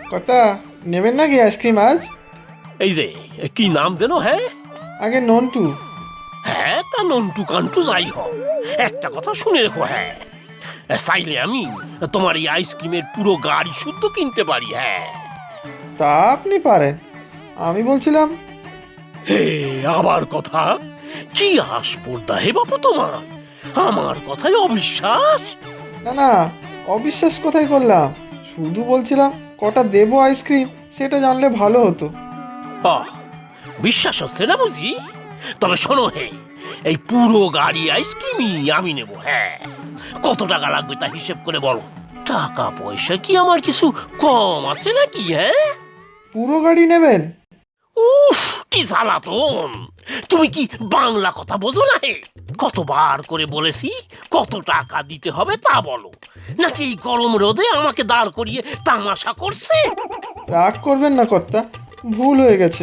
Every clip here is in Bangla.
কর্তা, নেবেন নাকি আইসক্রিম আজ? এই যে কি নাম যেন? হ্যাঁ আগে নন্টু। হ্যাঁ, তা নন্টু কান্টু যাই হোক, একটা কথা শুনে রেখো। হ্যাঁ, চাইলে আমি তোমার এই আইসক্রিমের পুরো গাড়ি শুদ্ধ কিনতে পারি। হ্যাঁ, তা আপনি পারেন, আমি বলছিলাম। হে আবার কথা, কি আসপর্দা হে বাপু তোমার, আমার কথায় অবিশ্বাস। না না, অবিশ্বাস কোথায় করলাম, শুধু বলছিলাম কটা দেবো আইসক্রিম সেটা জানলে ভালো হতো। আহ, বিশ্বাস হচ্ছে না বুঝি? তবে শোনো হে, এই পুরো গাড়ি আইসক্রিমই আমি নেব। হ্যাঁ, কত টাকা লাগবে তা হিসেব করে বলো। টাকা পয়সা কি আমার কিছু কম আছে নাকি? হ্যাঁ, পুরো গাড়ি নেবেন? উফ, কি জ্বালাতন! তুমি কি বাংলা কথা বোঝো না হে? কতবার করে বলেছি কত টাকা দিতে হবে তা বলো, নাকি এই গরম রোদে আমাকে দাঁড় করিয়ে তামাশা করছে? রাগ করবেন না কর্তা, ভুল হয়ে গেছে।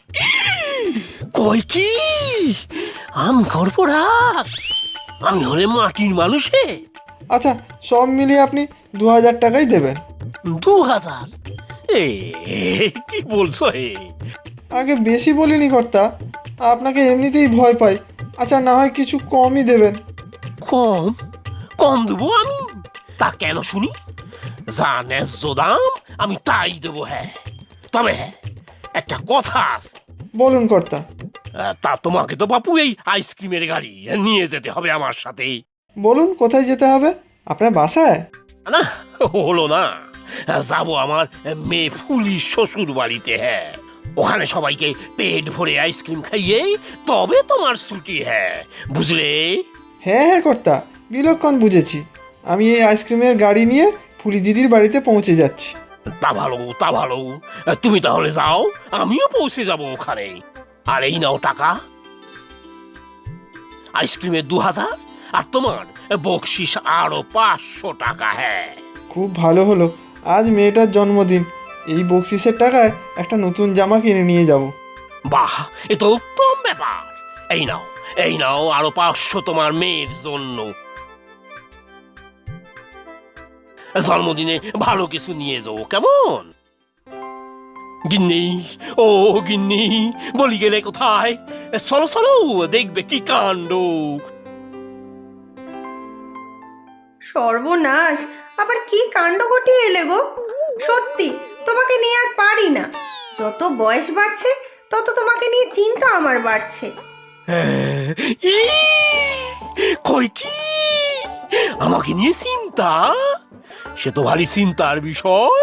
কই কি আমি করবো রাগ? আমি হলে মাটির মানুষে। আচ্ছা, সব মিলিয়ে আপনি 2000 টাকাই দেবেন। 2000? এ কি বলছো হে? আগে বেশি বলিনি কর্তা, আপনাকে এমনিতেই ভয় পাই। আচ্ছা, না হয় কিছু কমই দেবেন। কম? কম দেবো আমি? তা কেন শুনি? যা ন্যায্য দাম আমি তাই দেবো। হ্যাঁ, তবে হ্যাঁ, একটা কথা আছে। বলুন কর্তা। তা তোমাকে তো বাপু এই আইসক্রিমের গাড়ি নিয়ে যেতে হবে আমার সাথে। বলুন কোথায় যেতে হবে, আপনার বাসায়? না, হলো না, যাবো আমার মেয়ে ফুলির শ্বশুর বাড়িতে। হ্যাঁ, ওখানে সবাইকে পেট ভরে আইসক্রিম খাইয়ে তবে তোমার ছুটি। হ্যাঁ, বুঝলে? হ্যাঁ হ্যাঁ কর্তা, বিলক্ষণ বুঝেছি। আমি এই আইসক্রিমের গাড়ি নিয়ে ফুলি দিদির বাড়িতে পৌঁছে যাচ্ছি। তা ভালো, তা ভালো। তুমি তাহলে যাও, আমিও পৌঁছে যাব ওখানে। আর এই নাও টাকা, আইসক্রিমের 2000, আর তোমার বকশিস আরো 500 টাকা। হ্যাঁ, খুব ভালো হলো, আজ মেয়েটার জন্মদিন, এই বকশিসের টাকায় একটা নতুন জামা কিনে নিয়ে যাব। বাহ, এ তো উত্তম ব্যাপার। এই নাও, এই নাও আরো 500 তোমার মেয়ের জন্য। জন্মদিনে ভালো কিছু নিয়ে যাও, কেমন? গিন্নি, ও গিন্নি, বলি গেলে কোথায়? চলো চলো, দেখবে কি কাণ্ড। সর্বনাশ, আবার কি কাণ্ড ঘটিয়ে এলে গো! সত্যি তোমাকে নিয়ে আর পারি না। যত বয়স বাড়ছে তত তোমাকে নিয়ে চিন্তা আমার বাড়ছে। ই, কই কি আমাকে নিয়ে চিন্তা? সে তো ভারী চিন্তার বিষয়।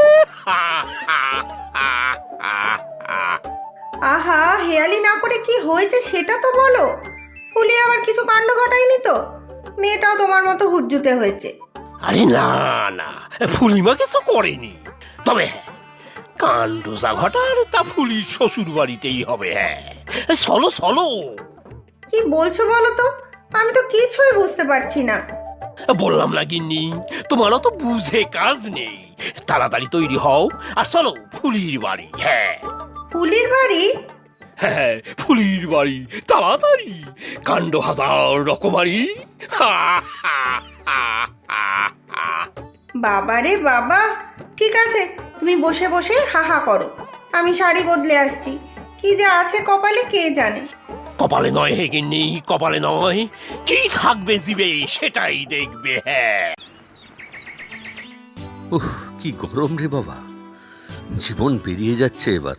আহা, হেয়ালি না করে কি হয়েছে সেটা তো বলো। ফুলি আবার কিছু কাণ্ড ঘটায়নি তো? মেয়েটাও তোমার মতো হুজ্জুতে হয়েছে। আরে না না, ফুলিমা কিছু করেনি। তবে হ্যাঁ, কাণ্ড যা ঘটার তা ফুলির শ্বশুর বাড়িতেই হবে। হ্যাঁ, চলো চলো। কি বলছো বলো তো? আমি তো কিছুই বুঝতে পারছি না। বললাম না গিন্নি, তোমারও তো বুঝে কাজ নেই। তাড়াতাড়ি তৈরি হও আর চলো ফুলির বাড়ি। হ্যাঁ ফুলির বাড়ি? হ্যাঁ, ফুলির বাড়ি, তাড়াতাড়ি। কাণ্ড হাজার রকমারি। বাবা রে বাবা! ঠিক আছে, তুমি বসে বসে হাহা করো, আমি শাড়ি বদলে আসছি। কি যে আছে কপালে কে জানে। কপালে নয় হে গিন্নি, কপালে নয়, কি থাকবে জিবে সেটাই দেখবে। হ্যাঁ, উহ, কি গরম রে বাবা, জীবন বেরিয়ে যাচ্ছে এবার।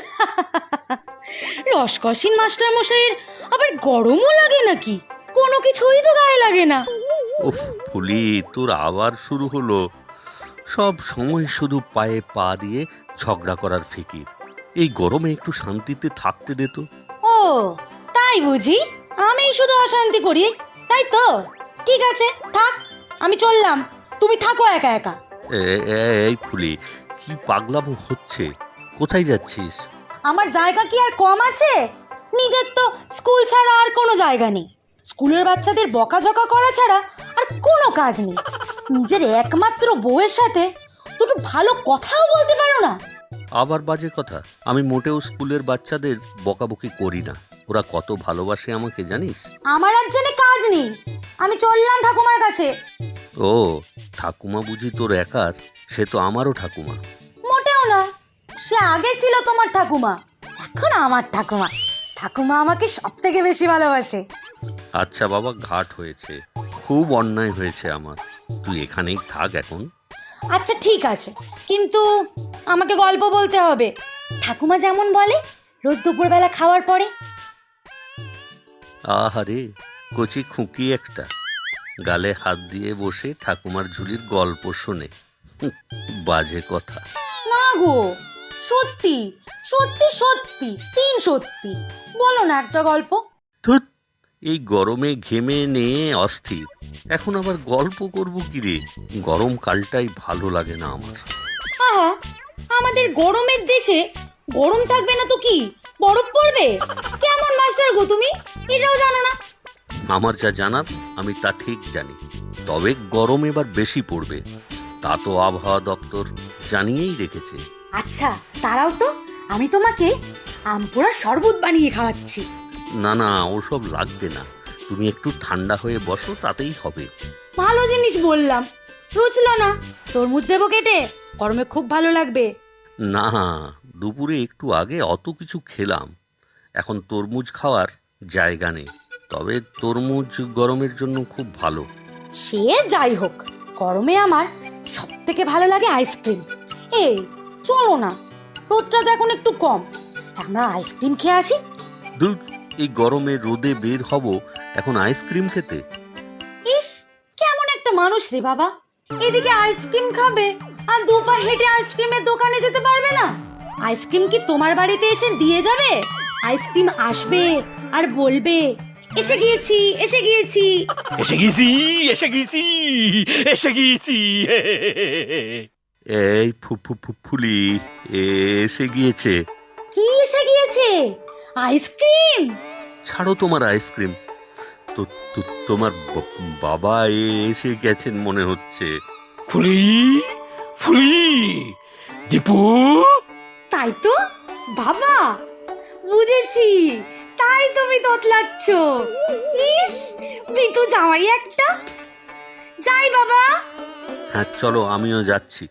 রসকসিন মাস্টার মশাইয়ের আবার গরমও লাগে নাকি? কোনো কিছুই তো গায়ে লাগে না। উফ ফুলি, তোর আবার শুরু হলো। সব সময় শুধু পায়ে পা দিয়ে ঝগড়া করার ফিকির। এই গরমে একটু শান্তিতে থাকতে দে তো। ও তাই বুঝি? আমি শুধু অশান্তি করি, তাই তো? ঠিক আছে, থাক, আমি চললাম, তুমি থাকো একা একা। এই ফুলি, কি পাগলামো হচ্ছে? কোথায় যাচ্ছিস? আমার জায়গা কি আর কম আছে? নিজের তো স্কুল ছাড়া আর কোনো জায়গা নেই। স্কুলের বাচ্চাদের বকাঝকা করা ছাড়া আর কোনো কাজ নেই। নিজের একমাত্র বউয়ের সাথে দুটো ভালো কথাও বলতে পারো না। আবার বাজে কথা? আমি মোটেও স্কুলের বাচ্চাদের বকাবকি করি না। ওরা কত ভালোবাসে আমাকে জানিস? আমার আর জেনে কাজ নেই, আমি চললাম ঠাকুমার কাছে। ও, ঠাকুমা বুঝি তোর একার? সে তো আমারও ঠাকুমা। মোটেও না, সে আগে ছিল তোমার ঠাকুমা, এখন আমার ঠাকুমা। ঠাকুমা আমাকে সব থেকে বেশি ভালোবাসে। আচ্ছা বাবা, ঘাট হয়েছে, খুব অন্যায় হয়েছে আমার। তুই এখানেই থাক এখন। আচ্ছা ঠিক আছে, কিন্তু আমাকে গল্প বলতে হবে, ঠাকুমা যেমন বলে রোজ দুপুরবেলা খাওয়ার পরে। আহারে, কচি খুঁকি একটা, গালে হাত দিয়ে বসে ঠাকুমার ঝুলির গল্প শোনে। বাজে কথা। না গো, সত্যি সত্যি সত্যি, তিন সত্যি, বলো না একটা গল্প। ধুৎ, এই গরমে ঘেমে নিয়ে অস্থির, এখন আবার গল্প করব কি রে? গরমকালটাই ভালো লাগে না আমার। আহা, আমাদের গরমের দেশে গরম থাকবে না তো কি বরফ পড়বে? কেমন মাস্টার গো তুমি, এটাও জানো না? আমার যা জানার আমি তা ঠিক জানি, তবে গরম এবার বেশি পড়বে, তা তো আবহাওয়া দপ্তর জানিয়েই রেখেছে। আচ্ছা তারাও তো, আমি তোমাকে আমপোড়া শরবত বানিয়ে খাওয়াচ্ছি। না না, ওসব লাগবে না, তুমি একটু ঠান্ডা হয়ে বসো, তাতেই হবে। ভালো জিনিস বললাম, রুচলো না? তরমুজ দেবো কেটে, গরমে খুব ভালো লাগবে। না, দুপুরে একটু আগে অত কিছু খেলাম, এখন তরমুজ খাওয়ার জায়গা নেই, তবে তরমুজ গরমের জন্য খুব ভালো। সে যাই হোক, গরমে আমার সব থেকে ভালো লাগে আইসক্রিম। এই চলো না, রোদটা তো এখন একটু কম, আমরা আইসক্রিম খেয়ে আসি। দূর, এই গরমে রোদে বের হব এখন আইসক্রিম খেতে? ইস, কেমন একটা মানুষ রে বাবা, এদিকে আইসক্রিম খাবে আর দুপা হেঁটে আইসক্রিমের দোকানে যেতে পারবে না? আইসক্রিম কি তোমার বাড়িতে এসে দিয়ে যাবে? আইসক্রিম আসবে আর বলবে এসে গিয়েছি এসে গিয়েছি। এসে গেছি, এসে গেছি, এসে গেছি। এই ফুলি এসে গিয়েছে। কি এসে গিয়েছে? আইসক্রিম? ছাড়ো তোমার আইসক্রিম, তো তোমার বাবা এসে গেছেন মনে হচ্ছে। ফুলি, ফুলি, দীপু। তাই তো বাবা, বুঝেছি, তাই তুমি তোতলাচ্ছ। ইস, বিতু জামাই একটা। যাই বাবা। হ্যাঁ চলো, আমিও যাচ্ছি।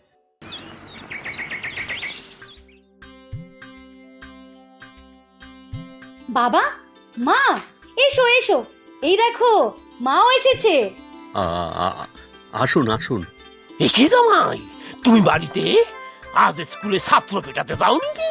বাবা, মা, এসো এসো, এই দেখো মাও এসেছে। আসুন আসুন। একে জামাই, তুমি বাড়িতে আজ স্কুলে ছাত্র পেটাতে যাও নাকি?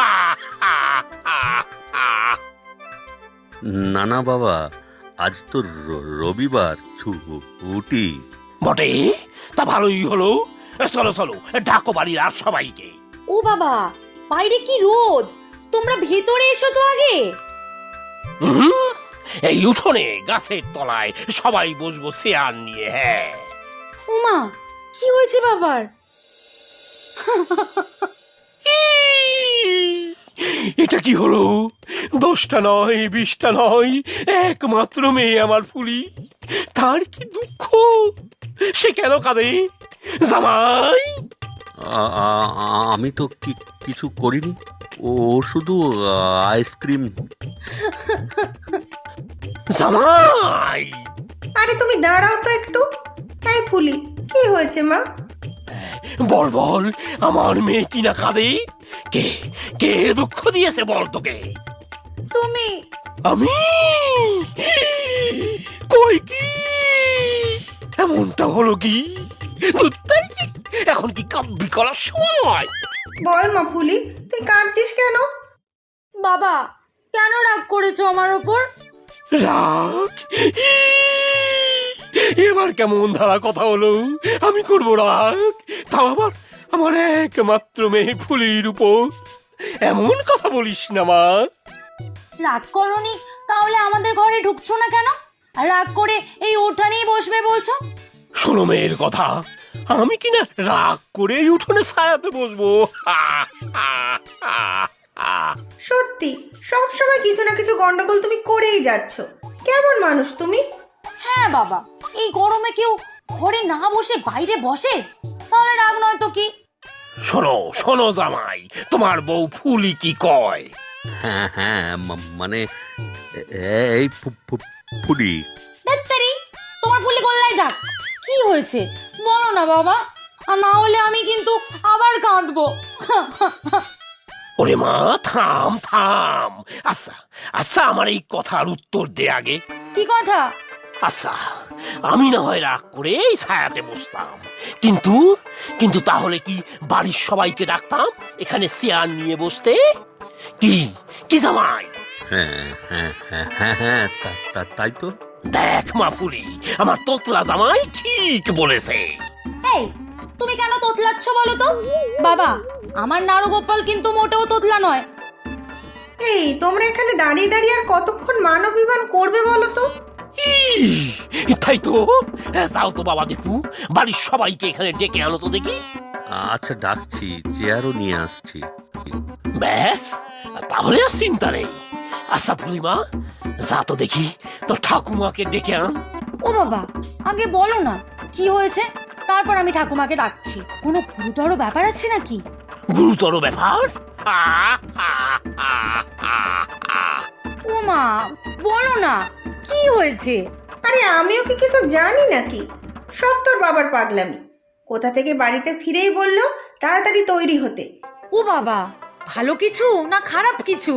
না না বাবা, আজ তো রবিবার, ছুটি। বটে, তা ভালোই হলো। চলো চলো, ডাকো বাড়ির আর সবাইকে। ও বাবা, বাইরে কি রোদ, তোমরা ভেতরে এসো তো আগে। এই উঠোনে গাছের তলায় সবাই বসবো চেয়ার নিয়ে। হ্যাঁ। ওমা, কি হয়েছে বাবার? এটা কি হলো? 10টা নয়, 20টা নয়, একমাত্র মেয়ে আমার ফুলি, তার কি দুঃখ, সে কেন কাঁদে? জামাই, আমি তো কিছু করিনি, ও শুধু আইসক্রিম। জামাই। আরে তুমি দাঁড়াও তো একটু। তাই ফুলি, কি হয়েছে মা? বল বল, আমার মেয়ে কি না কাঁদে? কে কে দুঃখ দিয়েছে বল তোকে? তুমি। আমি? কই কি এমনটা হলো কি? ধুত্তেরি, এখন কি কাব্যি করার সময়? বল মা ফুলি, তুই কাঁদছিস কেন? বাবা, কেন রাগ করেছো আমার ওপর? রাগ? এবার কেমন ধারা কথা হলো? আমি করবো রাগ? তাও আবার আমার একমাত্র মেয়ে ফুলির উপর? এমন কথা বলিস না মা। রাগ করনি, তাহলে আমাদের ঘরে ঢুকছো না কেন? আর রাগ করে এই উঠানেই বসবে বলছো? শোনো মেয়ের কথা, আমি কিনা রাগ করে এই উঠোনে ছায়াতে বসবো? সত্যি সব সময় কিছু না কিছু গন্ডগোল তুমি করেই যাচ্ছ। কেমন মানুষ তুমি? হ্যাঁ বাবা, এই গরমে কেউ ঘরে না বসে বাইরে বসে, তাহলে রাগ নয় তো কি? শোনো শোনো জামাই, তোমার বউ ফুলি কি কয়? হ্যাঁ হ্যাঁ, মানে এই ফুলি। ধ্যাত্তেরি, তোমার ফুলি গোল্লায় যাক। কি হয়েছে বলো না বাবা, আর না হলে আমি কিন্তু আবার কাঁদবো। ওরে মা, থাম থাম। আচ্ছা আচ্ছা, আমার এই কথার উত্তর দে আগে। কি কথা? আচ্ছা, আমি না হয় রাগ করে এই ছায়াতে বসতাম, কিন্তু কিন্তু তাহলে কি বাড়ির সবাইকে ডাকতাম এখানে চেয়ার নিয়ে বসতে? কি কি জামাই? হ্যাঁ হ্যাঁ হ্যাঁ হ্যাঁ হ্যাঁ, তাই তো। দেখ মাফুলি, আমার তোতলা জামাই ঠিক বলেছে। এই, তুমি কেন তোতলাচ্ছ বলো তো? বাবা, আমার নারুগোপাল কিন্তু মোটেও তোতলা নয়। এই তোমরা এখানে দাঁড়িয়ে দাঁড়িয়ে আর কতক্ষণ মান অভিমান করবে বলো তো? তাই তো। যাও তো বাবা দীপু, বাড়ির সবাইকে এখানে ডেকে আনো তো দেখি। আচ্ছা ডাকছি, চেয়ারও নিয়ে আসছি। ব্যাস, তাহলে আর চিন্তা নেই। আচ্ছা পূর্ণিমা, যা তো দেখি তো ঠাকুমাকে ডেকে আন। ও বাবা, আগে বলো না কি হয়েছে, তারপর আমি ঠাকুমাকে ডাকছি। কোনো গুরুতর ব্যাপার আছে নাকি? গুরুতর ব্যাপার? ও মা, বলো না কি হয়েছে? আরে আমিও কি কিছু জানি নাকি? সব তোর বাবার পাগলামি। কোথা থেকে বাড়িতে ফিরেই বললো তাড়াতাড়ি তৈরি হতে। ও বাবা, ভালো কিছু না খারাপ কিছু?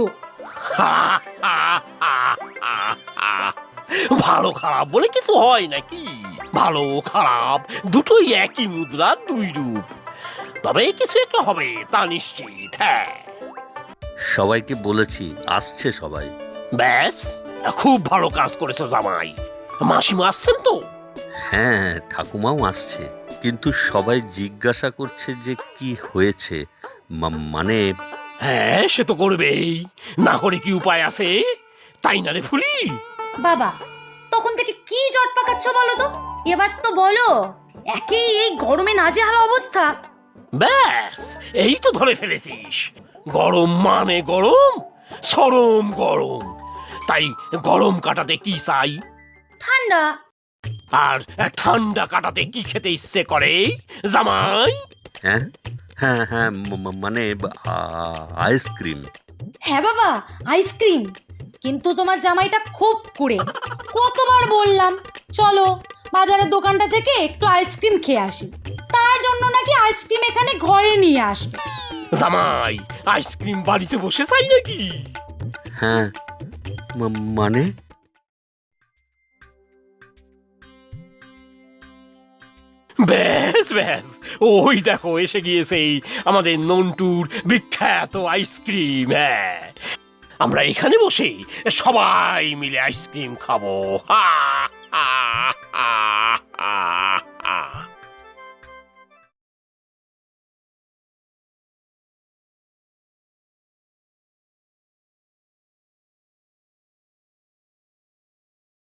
ভালো খারাপ বলে কিছু হয় নাকি? ভালো খারাপ দুটোই একই মুদ্রার দুই রূপ। তবে কিছু একটা হবে তা নিশ্চিত। হ্যাঁ, সবাইকে বলেছি, আসছে সবাই। ব্যাস, খুব ভালো কাজ করেছো জামাই। মাসিমা আসছেন তো? হ্যাঁ, ঠাকুমাও আসছে, কিন্তু সবাই জিজ্ঞাসা করছে যে কি হয়েছে। মানে হ্যাঁ, সে তো করবেই, না করে কি উপায় আছে? তাই না রে ফুলি? বাবা, তখন থেকে কি জট পাকাচ্ছ বলো তো? এবার তো বলো। একেই এই গরমে নাজেহাল অবস্থা। ব্যাস, এই তো ধরে ফেলেছিস। গরম মানে গরম, চরম গরম। তাই গরম কাটাতে কি চাই? ঠান্ডা। আর ঠান্ডা কাটাতে কি খেতে ইচ্ছে করে জামাই? হ্যাঁ হ্যাঁ হ্যাঁ, মানে আইসক্রিম। হ্যাঁ বাবা, আইসক্রিম। কিন্তু তোমার জামাইটা খুব কুড়ে। কতবার বললাম চলো বাজারের দোকানটা থেকে একটু আইসক্রিম খেয়ে আসি, তার জন্য নাকি আইসক্রিম এখানে ঘরে নিয়ে আসবে। জামাই আইসক্রিম বাড়িতে বসে চাই নাকি? হ্যাঁ, মানে ব্যাস ব্যাস, ওই দেখো এসে গিয়েছে আমাদের নন্টুর বিখ্যাত আইসক্রিম। হ্যাঁ, আমরা এখানে বসে সবাই মিলে আইসক্রিম খাবো। হা হা।